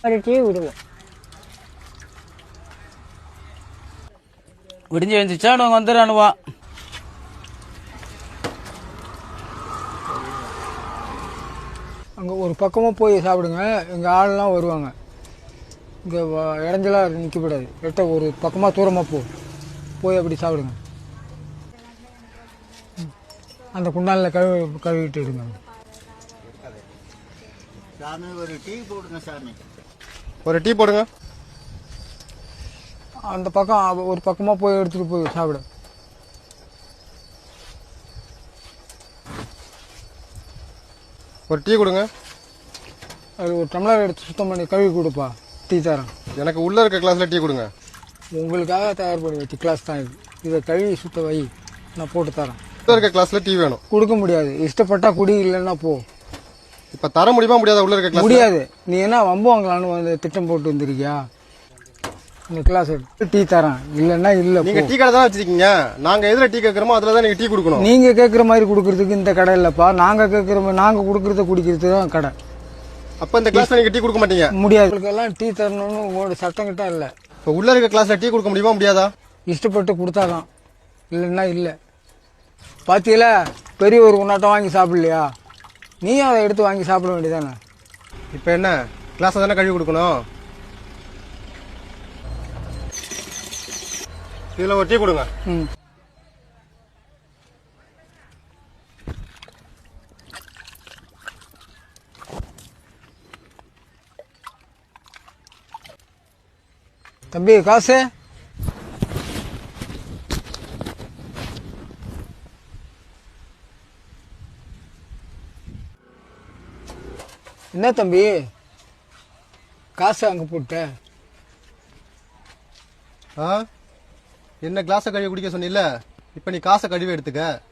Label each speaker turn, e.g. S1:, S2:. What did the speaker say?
S1: ஒரு டீ விடுவோம்.
S2: விடிஞ்சு எழுந்துச்சா அவங்க வந்துடுறானுவா.
S1: அங்கே ஒரு பக்கமாக போய் சாப்பிடுங்க. எங்கள் ஆள்லாம் வருவாங்க. இங்கே இடைஞ்சலாக நிற்கக்கூடாது. எட்ட ஒரு பக்கமாக தூரமாக போய் அப்படி சாப்பிடுங்க. அந்த குண்டானில் கழுவிட்டு எடுங்க.
S3: சாமி ஒரு டீ போடுங்க. சாமி
S4: ஒரு டீ போடுங்க.
S1: அந்த பக்கம் ஒரு பக்கமாக போய் எடுத்துகிட்டு போய் சாப்பிடு.
S4: ஒரு டீ கொடுங்க.
S1: அது ஒரு டம்ளர் எடுத்து சுத்தம் பண்ணி கழுவி கொடுப்பா. டீ தரேன்.
S4: எனக்கு உள்ளே இருக்க கிளாஸில் டீ கொடுங்க.
S1: உங்களுக்காக தயார் பண்ணி வச்சு கிளாஸ் தான் இது. இதை கழுவி சுத்த வை, நான் போட்டு தரேன்.
S4: உள்ளே இருக்க கிளாஸில் டீ வேணும்.
S1: கொடுக்க முடியாது. இஷ்டப்பட்டா குடி, இல்லைன்னா போ.
S4: இப்போ தர முடியுமா முடியாதா? உள்ளே இருக்க கிளாஸ்
S1: முடியாது. நீ என்ன வம்பு வாங்கலான்னு வந்து திட்டம் போட்டு வந்திருக்கியா? இந்த கிளாஸ் எடுத்து டீ தரேன், இல்லைன்னா இல்லை.
S4: நீங்கள் டீ கடை தான் வச்சிருக்கீங்க. நாங்கள் எதில் டீ கேட்குறோமோ அதில் தான் நீங்கள் டீ கொடுக்கணும்.
S1: நீங்கள் கேட்குற மாதிரி கொடுக்கறதுக்கு இந்த கடை இல்லைப்பா. நாங்கள் கேட்குற மாதிரி நாங்கள் கொடுக்குறத குடிக்கிறது தான் கடை.
S4: அப்போ இந்த கிளாஸில் நீங்கள் டீ கொடுக்க மாட்டீங்க?
S1: முடியாது. உங்களுக்கெல்லாம் டீ தரணும்னு உங்களோட சட்டம் கிட்ட இல்லை.
S4: இப்போ உள்ளே இருக்க கிளாஸில் டீ கொடுக்க முடியுமா முடியாதா?
S1: இஷ்டப்பட்டு கொடுத்தாதான், இல்லைன்னா இல்லை. பாத்தியில பெரிய ஒரு உன்னாட்டம் வாங்கி சாப்பிடலையா? நீயும் அதை எடுத்து வாங்கி சாப்பிட வேண்டியதானே.
S4: இப்போ என்ன கிளாஸை தானே கழுவி கொடுக்கணும். இதில் ஒரு டீ கொடுங்க.
S1: ம். தம்பி காசு. என்ன தம்பி காசு அங்கே போட்ட?
S4: என்ன கிளாஸை கழுவி குடிக்க சொன்னில்ல, இப்போ நீ காசை கழுவி எடுத்துக்க.